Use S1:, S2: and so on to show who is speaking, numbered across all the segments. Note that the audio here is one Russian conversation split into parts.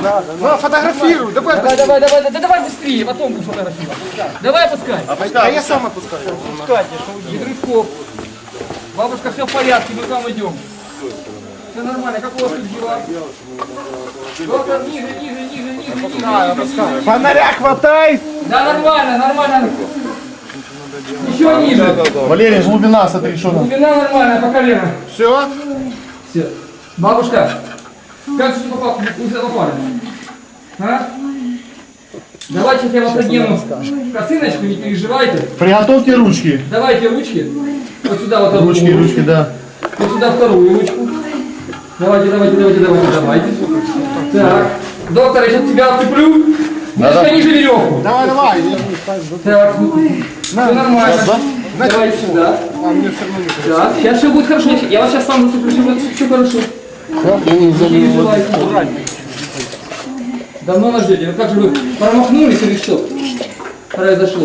S1: Ну, фотографируй, давай.
S2: Давай быстрее, потом будешь фотографировать. Давай опускай.
S1: А я сам опускаю.
S2: Без рывков. Бабушка, все в порядке, мы к вам идем. Все нормально, как у вас тут дела? Доктор, ниже.
S1: Фонаря хватай.
S2: Да, нормально. Еще ниже.
S3: Валерий, глубина, смотри, что там.
S2: Глубина нормальная, по колено.
S1: Все.
S2: Все. Бабушка, как же попали? А? Давайте я вас одену косыночку, не переживайте.
S3: Приготовьте ручки.
S2: Давайте ручки. Вот сюда вот одну.
S3: Ручки, да.
S2: Вот сюда вторую ручку. Давайте. Так. Доктор, я сейчас тебя отцеплю. Немножко ниже веревку.
S1: Давай.
S2: Так. Все нормально. Давайте сюда. Так, сейчас все будет хорошо. Я вас сейчас сам зацеплю, все хорошо. Не переживайте. Давно нас ждете. Как же вы промахнулись или что произошло?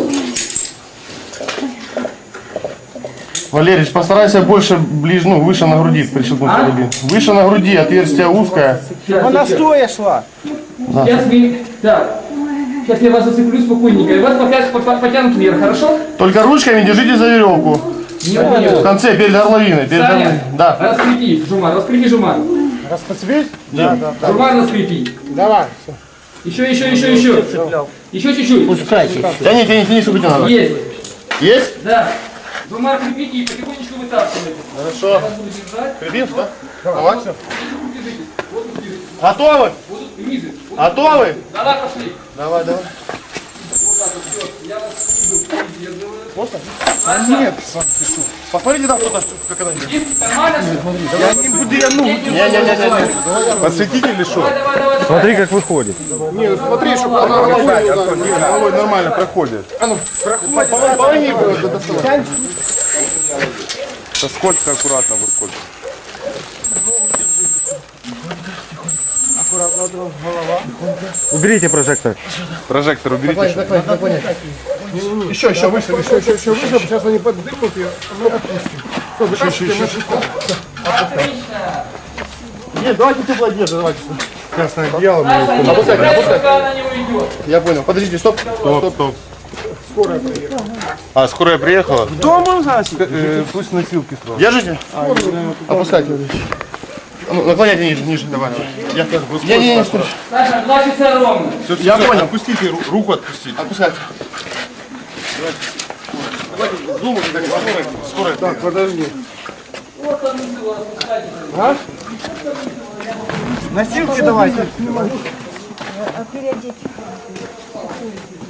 S3: Валерий, постарайся больше, выше на груди прищелкнуть карабин. Выше на груди, отверстие узкое.
S1: Она стоя шла.
S2: Сейчас вы... Так. Сейчас я вас зацеплю спокойненько. И вас потянут вверх, хорошо?
S3: Только ручками держите за веревку. В конце, перед горловиной.
S2: Саня,
S3: Да.
S2: раскрепи, Жумар.
S1: Распоцветь?
S2: Да. Жумар раскрепи.
S1: Давай.
S2: Еще. Еще чуть-чуть.
S4: Пускайте.
S3: Тяни, сколько надо.
S2: Есть.
S3: Есть?
S2: Да. Жумар крепите и потихонечку вытаскивайте.
S3: Хорошо.
S2: Я вас буду держать.
S3: Крепим, да? Давай.
S2: Держитесь. Вот тут держитесь.
S3: Готовы?
S2: Вот тут ниже. Вот
S3: Готовы?
S2: Давай, пошли.
S3: Давай.
S2: Вот так вот, все. Я вас снизу поддерживаю.
S1: Нет.
S3: Посмотрите там что-то, как она идет.
S2: Есть? Нормально?
S1: Я не буду, я ну.
S3: Не.
S1: Подсветите или что?
S2: Давай.
S1: Смотри, как выходит. Не, смотри, чтобы она головой нормально проходит. А ну, полони доставай. Да сколько аккуратно выходит. Аккуратно, голова. Уберите прожектор. Прожектор уберите. Еще выше. Сейчас они поддымут и мы отпустим. Еще.
S2: Отлично.
S3: Нет, давайте теплое одежда, давайте.
S1: Красное одеяло.
S2: Опускай. Пока она не уйдет.
S3: Я понял. Подождите, стоп.
S1: Скорая приехала.
S3: А, скорая приехала?
S1: Дома пусть носилки сразу.
S3: Держите? Опускайте. Ну, наклоняйте ниже, давай. Не, стой.
S2: Саша, 2 часа ровно.
S3: Я понял.
S1: Отпустите, руку отпустите.
S3: Отпускайте. Давайте зуму, скорая.
S1: Так, подожди.
S2: Вот одну его распускайте.
S1: Носилки давайте.
S5: Переодеть.